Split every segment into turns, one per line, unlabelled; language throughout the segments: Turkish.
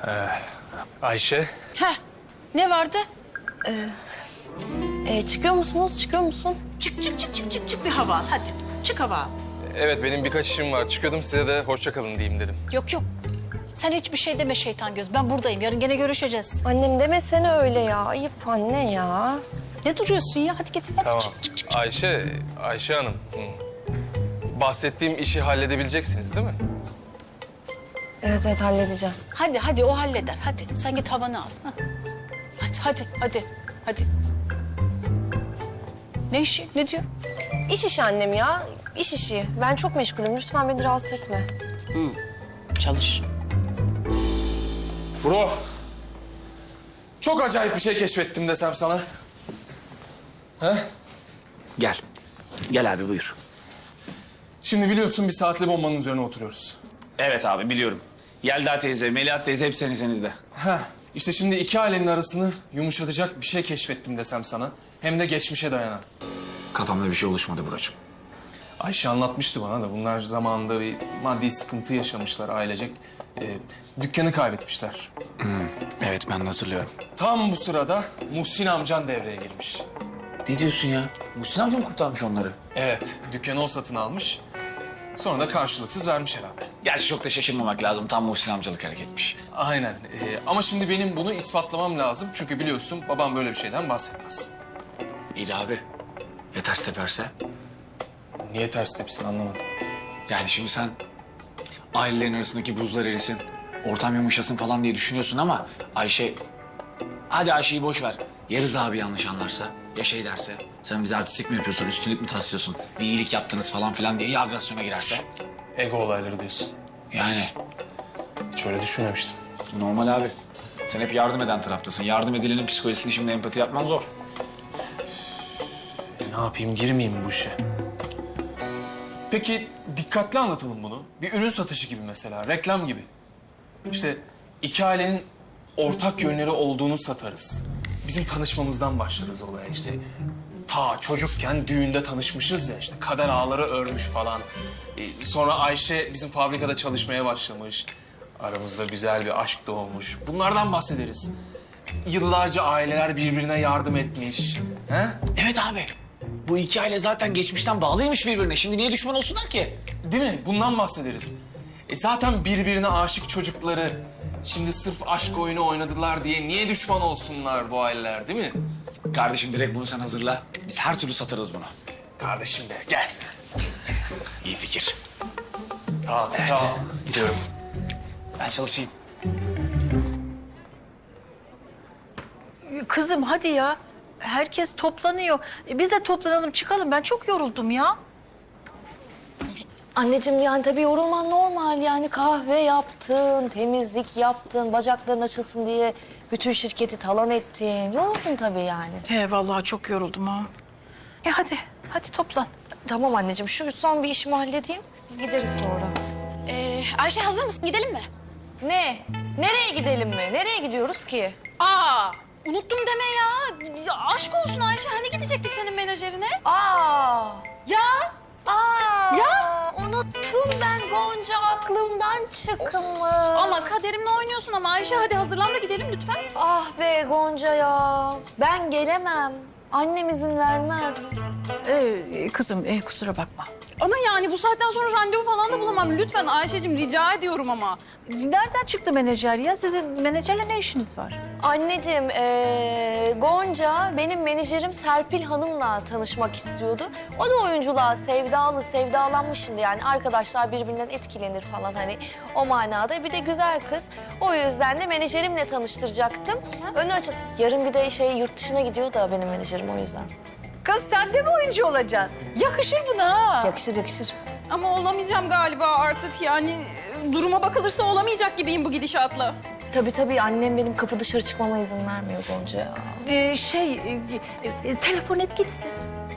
Ayşe.
Heh, ne vardı?
Çıkıyor musunuz? Çıkıyor musun?
Çık bir hava al hadi. Çık hava al.
Evet, benim birkaç işim var. Çıkıyordum, size de hoşça kalın diyeyim dedim.
Yok. Sen hiçbir şey deme şeytan göz. Ben buradayım. Yarın gene görüşeceğiz.
Annem demesene öyle ya. Ayıp anne ya.
Ne duruyorsun ya? Hadi git. Hadi
Tamam.
çık.
Ayşe Hanım. Bahsettiğim işi halledebileceksiniz değil mi?
Evet halledeceğim.
Hadi o halleder. Hadi sen git havanı al. Hadi. Ne işi? Ne diyor?
İş işi annem ya. İş işi. Ben çok meşgulüm. Lütfen beni rahatsız etme.
Çalış.
Bro, çok acayip bir şey keşfettim desem sana. He?
Gel. Gel abi buyur.
Şimdi biliyorsun bir saatli bombanın üzerine oturuyoruz.
Evet abi biliyorum. Yelda teyze, Melihat teyze hep senizde.
Heh, işte şimdi iki ailenin arasını yumuşatacak bir şey keşfettim desem sana. Hem de geçmişe dayanan.
Kafamda bir şey oluşmadı Buracığım.
Ayşe anlatmıştı bana da bunlar zamanında bir maddi sıkıntı yaşamışlar ailecek. Dükkanı kaybetmişler.
Evet ben de hatırlıyorum.
Tam bu sırada Muhsin amcan devreye girmiş.
Ne diyorsun ya? Muhsin amca mı kurtarmış onları?
Evet, dükkanı o satın almış. Sonra da karşılıksız vermiş herhalde.
Gerçi çok da şaşırmamak lazım. Tam Muhsin amcalık hareketmiş.
Aynen. Ama şimdi benim bunu ispatlamam lazım. Çünkü biliyorsun babam böyle bir şeyden bahsetmez.
İyi de abi. Ya ters teperse?
Niye ters tepsin anlamadım.
Yani şimdi sen ailelerin arasındaki buzlar erisin, ortam yumuşasın falan diye düşünüyorsun ama Ayşe... Hadi Ayşe'yi boş ver. Ya Rıza abi yanlış anlarsa, ya şey derse... Sen bize artistik mi yapıyorsun, üstünlük mü taslıyorsun, bir iyilik yaptınız falan filan diye ya agresyona girerse?
Ego olayları diyorsun.
Yani
Hiç öyle düşünmemiştim.
normal abi. Sen hep yardım eden taraftasın. Yardım edilenin psikolojisini şimdi empati yapman zor.
Ne yapayım, girmeyeyim mi bu işe? Peki dikkatli anlatalım bunu. Bir ürün satışı gibi mesela, reklam gibi. İşte iki ailenin ortak yönleri olduğunu satarız. Bizim tanışmamızdan başlarız olaya işte. Ta çocukken düğünde tanışmışız ya işte kader ağları örmüş falan. Sonra Ayşe bizim fabrikada çalışmaya başlamış. Aramızda güzel bir aşk doğmuş. Bunlardan bahsederiz. Yıllarca aileler birbirine yardım etmiş. He?
Evet abi. Bu iki aile zaten geçmişten bağlıymış birbirine. Şimdi niye düşman olsunlar ki?
Değil mi? Bundan bahsederiz. Zaten birbirine aşık çocukları şimdi sırf aşk oyunu oynadılar diye niye düşman olsunlar bu aileler değil mi?
Kardeşim direkt bunu sen hazırla. Biz her türlü satarız bunu.
Kardeşim de gel.
İyi fikir.
Tamam,
Evet.
tamam.
Gidiyorum. Ben çalışayım.
Kızım hadi ya. Herkes toplanıyor. Biz de toplanalım çıkalım. Ben çok yoruldum ya.
Anneciğim yani tabii yorulman normal yani kahve yaptın, temizlik yaptın, bacakların açılsın diye bütün şirketi talan ettin. Yoruldun tabii yani.
He vallahi çok yoruldum ha. Hadi toplan.
Tamam anneciğim şu son bir işimi halledeyim. Gideriz sonra.
Ayşe hazır mısın? Gidelim mi?
Ne? Nereye gidelim mi? Nereye gidiyoruz ki?
Aa, unuttum deme ya. Aşk olsun Ayşe. Hani gidecektik senin menajerine?
Aa!
Ya.
Ya! Unuttum ben Gonca aklımdan çıkmış.
Ama kaderimle oynuyorsun ama Ayşe hadi hazırlan da gidelim lütfen.
Ah be Gonca ya. Ben gelemem. Annem izin vermez.
Kızım kusura bakma.
Ama yani bu saatten sonra randevu falan da bulamam. Lütfen Ayşe'cim rica ediyorum ama.
Nereden çıktı menajer ya? Sizin menajerle ne işiniz var?
Anneciğim, Gonca benim menajerim Serpil Hanım'la tanışmak istiyordu. O da oyunculuğa sevdalanmış şimdi yani. Arkadaşlar birbirinden etkilenir falan hani o manada. Bir de güzel kız. O yüzden de menajerimle tanıştıracaktım. Önü açık. Yarın bir de yurt dışına gidiyor da benim menajerim o yüzden.
Kız sen de mi oyuncu olacaksın? Yakışır buna ha.
Yakışır.
Ama olamayacağım galiba artık yani. Duruma bakılırsa olamayacak gibiyim bu gidişatla.
Tabii annem benim kapı dışarı çıkmama izin vermiyor Gonca ya.
Telefon et gitsin.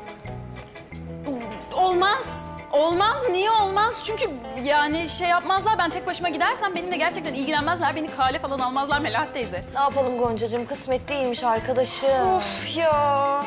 Olmaz. Olmaz. Niye olmaz? Çünkü yani şey yapmazlar. Ben tek başıma gidersem benimle gerçekten ilgilenmezler. Beni kale falan almazlar Melahat teyze.
Ne yapalım Goncacığım? Kısmet değilmiş arkadaşım.
Of ya.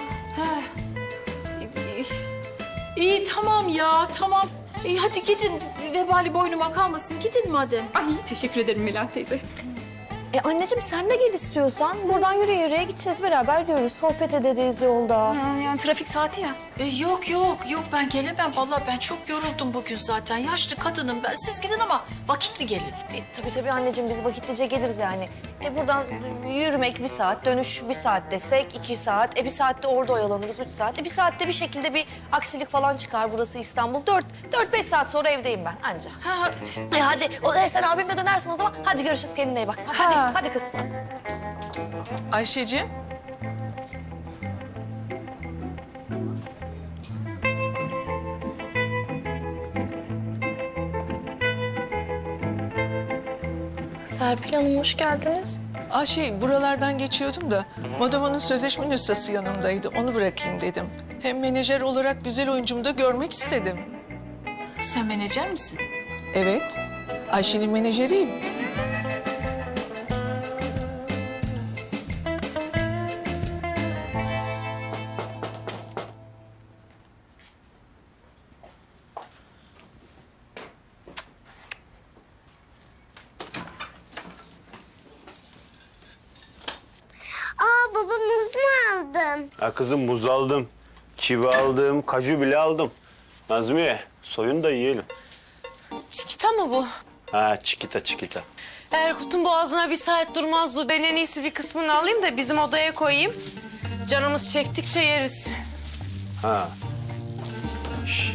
İyi tamam ya tamam. Hadi gidin vebali boynuma kalmasın. Gidin madem.
Ay teşekkür ederim Melahat teyze.
Anneciğim sen de gel istiyorsan. Buradan yürüye gideceğiz, beraber görürüz. Sohbet ederiz yolda.
Yani trafik saati ya.
Yok ben gelemem. Vallahi ben çok yoruldum bugün zaten. Yaşlı kadınım ben. Siz gidin ama vakitli gelin.
Tabii anneciğim, biz vakitlice geliriz yani. Buradan yürümek 1 saat, dönüş 1 saat desek 2 saat. 1 saatte orada oyalanırız 3 saat. 1 saatte bir şekilde bir aksilik falan çıkar, burası İstanbul. 4-5 saat sonra evdeyim ben anca.
Ha,
Hadi sen abimle dönersin o zaman. Hadi görüşürüz, kendine iyi bak. Hadi kız.
Ayşeciğim.
Serpil Hanım hoş geldiniz.
Buralardan geçiyordum da Modamo'nun sözleşme nüshası yanımdaydı. Onu bırakayım dedim. Hem menajer olarak güzel oyuncumu da görmek istedim.
Sen menajer misin?
Evet, Ayşe'nin menajeriyim.
Baba muz mu aldın?
Ha kızım muz aldım, kivi aldım, kaju bile aldım. Nazmiye soyun da yiyelim.
Çikita mı bu?
Ha çikita.
Erkut'un boğazına 1 saat durmaz bu. Ben en iyisi bir kısmını alayım da bizim odaya koyayım. Canımız çektikçe yeriz.
Ha. Şş.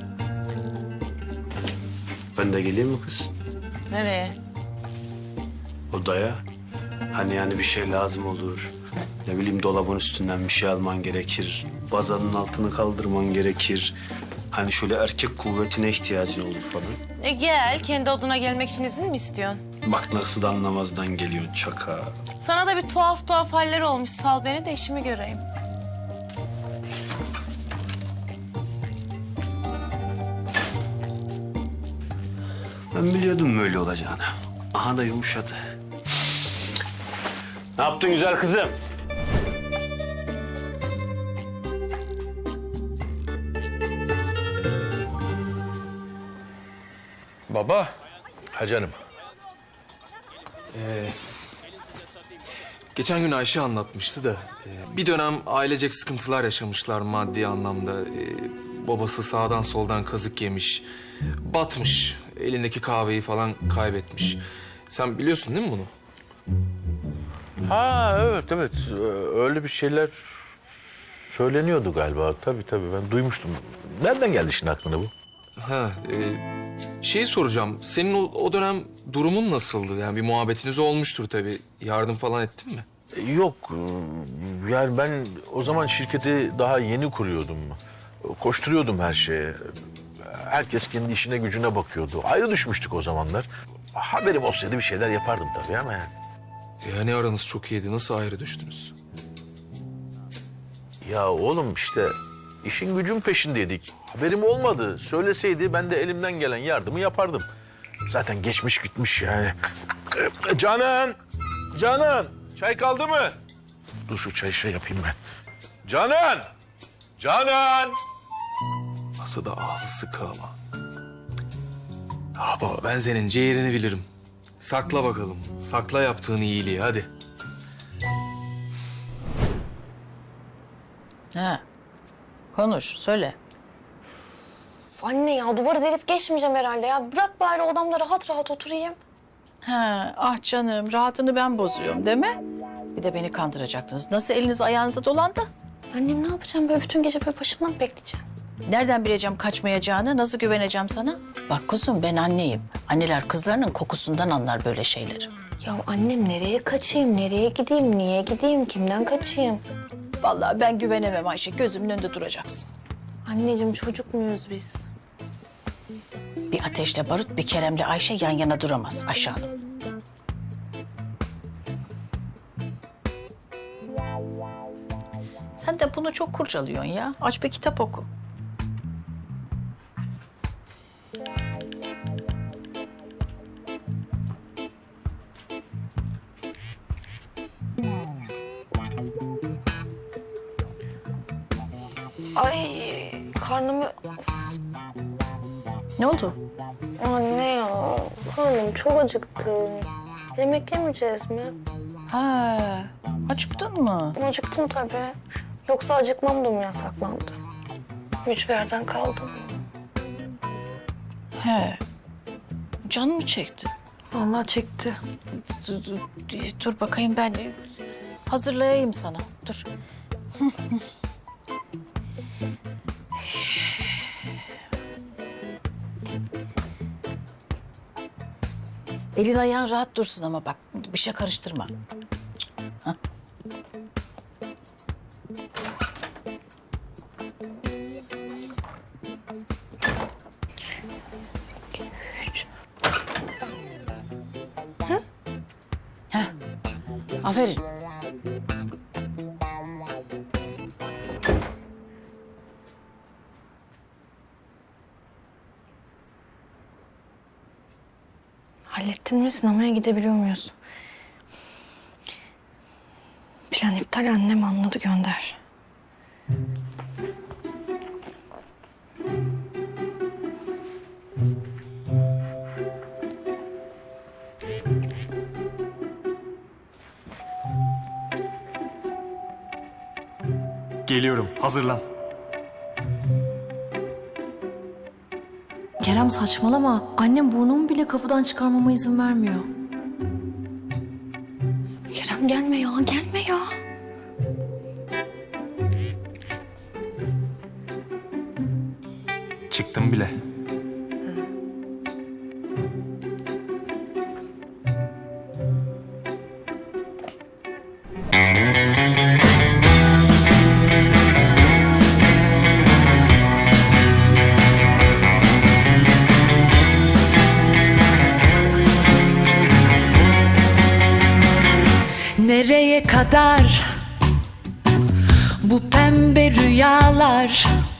Ben de geleyim mi kız?
Nereye?
Odaya. Hani yani bir şey lazım olur. Ne bileyim dolabın üstünden bir şey alman gerekir. Bazanın altını kaldırman gerekir. Hani şöyle erkek kuvvetine ihtiyacın olur falan.
Gel, kendi odana gelmek için izin mi istiyorsun?
Bak nasıl da anlamazdan geliyorsun çaka.
Sana da bir tuhaf haller olmuş. Sal beni de işimi göreyim.
Ben biliyordum böyle olacağını. Aha da yumuşadı. Ne yaptın güzel kızım?
Baba. Ha canım.
Geçen gün Ayşe anlatmıştı da bir dönem ailecek sıkıntılar yaşamışlar maddi anlamda. Babası sağdan soldan kazık yemiş, batmış, elindeki kahveyi falan kaybetmiş. Sen biliyorsun değil mi bunu?
Ha evet. Öyle bir şeyler söyleniyordu galiba. Tabii ben duymuştum. Nereden geldi şimdi aklına bu?
Şeyi soracağım. Senin o dönem durumun nasıldı? Yani bir muhabbetiniz olmuştur tabii. Yardım falan ettin mi?
Yok. Yani ben o zaman şirketi daha yeni kuruyordum. Koşturuyordum her şeye. Herkes kendi işine gücüne bakıyordu. Ayrı düşmüştük o zamanlar. Haberim olsaydı bir şeyler yapardım tabii ama yani.
Yani aranız çok iyiydi. Nasıl ayrı düştünüz?
Ya oğlum işte işin gücün peşindeydik. Haberim olmadı. Söyleseydi ben de elimden gelen yardımı yapardım. Zaten geçmiş gitmiş yani. Canan! Çay kaldı mı? Dur şu çayı şey yapayım ben. Canan!
Nasıl da ağzı sıkı ama. Baba ben senin ciğerini bilirim. Sakla bakalım. Sakla yaptığın iyiliği hadi.
Ha. Konuş, söyle.
Anne ya, duvarı delip geçmeyeceğim herhalde ya. Bırak bari odamda rahat rahat oturayım.
Ha, ah canım, rahatını ben bozuyorum değil mi? Bir de beni kandıracaktınız. Nasıl eliniz ayağınıza dolandı?
Annem ne yapacağım, böyle bütün gece böyle başımdan mı bekleyeceğim?
Nereden bileceğim kaçmayacağını, nasıl güveneceğim sana? Bak kuzum, ben anneyim. Anneler kızlarının kokusundan anlar böyle şeyleri.
Ya annem, nereye kaçayım, nereye gideyim, niye gideyim, kimden kaçayım?
Vallahi ben güvenemem Ayşe, gözümün önünde duracaksın.
Anneciğim, çocuk muyuz biz?
Bir ateşle barut, bir Kerem'le Ayşe yan yana duramaz Ayşe Hanım. Sen de bunu çok kurcalıyorsun ya. Aç bir kitap oku.
Ay, karnımı...
Ne oldu?
Anne ya, karnım çok acıktı. Yemek yemeyeceğiz mi?
Ha, acıktın mı?
Acıktım tabii. Yoksa acıkmam da mı yasaklandı? Mücverden kaldım.
He. Can mı çekti?
Vallahi çekti.
Dur bakayım ben hazırlayayım sana. Dur. Elin ayağın rahat dursun ama bak bir şey karıştırma. Hah. Heh. Aferin.
Hallettin mi? Sinemaya gidebiliyor muyuz? Plan iptal, annem anladı, gönder.
Geliyorum. Hazırlan.
Kerem saçmalama. Annem burnumu bile kapıdan çıkarmama izin vermiyor.
Kerem gelme ya, gelme ya.
Çıktım bile.
Nereye kadar bu pembe rüyalar?